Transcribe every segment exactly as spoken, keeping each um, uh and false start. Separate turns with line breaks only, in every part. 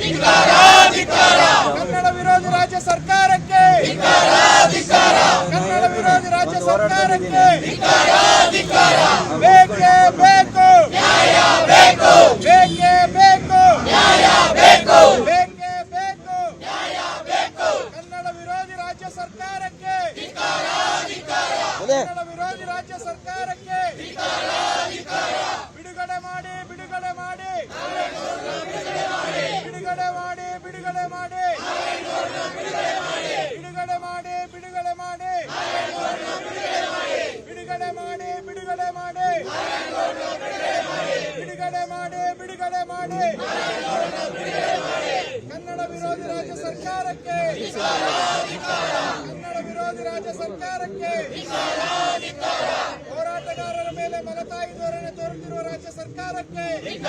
ಕನ್ನಡ ವಿರೋಧಿ ರಾಜ್ಯ ಸರ್ಕಾರಕ್ಕೆ ಕನ್ನಡ ವಿರೋಧಿ ರಾಜ್ಯ ಸರ್ಕಾರಕ್ಕೆ ಬೇಕೇ ಬೇಕು ಬೇಕೇ ಬೇಕು ಬೇಕೇ ಬೇಕು ಕನ್ನಡ ವಿರೋಧಿ ರಾಜ್ಯ ಸರ್ಕಾರಕ್ಕೆ ಕನ್ನಡ ವಿರೋಧಿ ರಾಜ್ಯ ಸರ್ಕಾರಕ್ಕೆ ಬಿಡುಗಡೆ ಮಾಡಿ ಬಿಡುಗಡೆ ಮಾಡಿ ಬಿಡುಗಡೆ ಮಾಡಿ ಬಿಡುಗಡೆ ಮಾಡಿ ಬಿಡುಗಡೆ ಮಾಡಿ ಬಿಡುಗಡೆ ಮಾಡಿ ಬಿಡುಗಡೆ ಮಾಡಿ ಬಿಡುಗಡೆ ಮಾಡಿ ಬಿಡುಗಡೆ ಮಾಡಿ ಬಿಡುಗಡೆ ಮಾಡಿ ಕನ್ನಡ ವಿರೋಧಿ ರಾಜ್ಯ ಸರ್ಕಾರಕ್ಕೆ ಕನ್ನಡ ವಿರೋಧಿ ರಾಜ್ಯ ಸರ್ಕಾರಕ್ಕೆ ಹೋರಾಟಗಾರರ ಮೇಲೆ ಮಲತಾಯಿ ಧೋರಣೆ ತೋರುತ್ತಿರುವ ರಾಜ್ಯ ಸರ್ಕಾರಕ್ಕೆ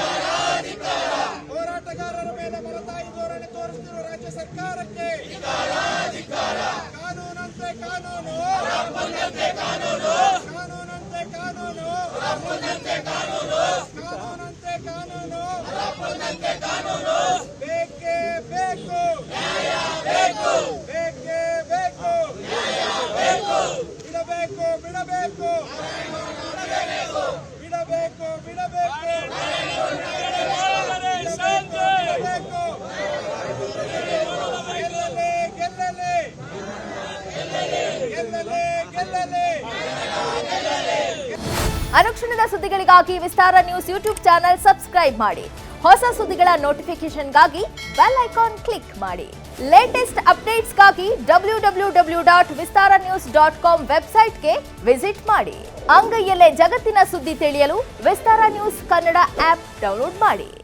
ಹೋರಾಟಗಾರರ ಮೇಲೆ ಮಲತಾಯಿ ಧೋರಣೆ ತೋರಿಸುತ್ತಿರುವ ರಾಜ್ಯ ಸರ್ಕಾರಕ್ಕೆ ಕಾನೂನಂತೆ ಕಾನೂನು ಕಾನೂನಂತೆ ಕಾನೂನು ಕಾನೂನಂತೆ ಕಾನೂನು ಬೇಕೇ ಬೇಕು ಬೇಕೇ ಬೇಕು ಬಿಡಬೇಕು ಬಿಡಬೇಕು ಬಿಡಬೇಕು ಬಿಡಬೇಕು ಗೆಲ್ಲಲೆ ಗೆಲ್ಲಲೆ ಗೆಲ್ಲಲೆ ಗೆಲ್ಲಲೆ
ಅನುಕ್ಷಣದ ಸುದ್ದಿಗಳಿಗಾಗಿ Vistara news YouTube channel subscribe ಮಾಡಿ. ಹೊಸ ಸುದ್ದಿಗಳ ನೋಟಿಫಿಕೇಶನ್ಗಾಗಿ ಬೆಲ್ ಐಕಾನ್ ಕ್ಲಿಕ್ ಮಾಡಿ. ಲೇಟೆಸ್ಟ್ ಅಪ್ಡೇಟ್ಸ್ಗಾಗಿ W W W dot Vistara news dot com ವೆಬ್ಸೈಟ್ಗೆ ವಿಸಿಟ್ ಮಾಡಿ. ಅಂಗೈಯಲ್ಲೇ ಜಗತ್ತಿನ ಸುದ್ದಿ ತಿಳಿಯಲು Vistara news Kannada app download ಮಾಡಿ.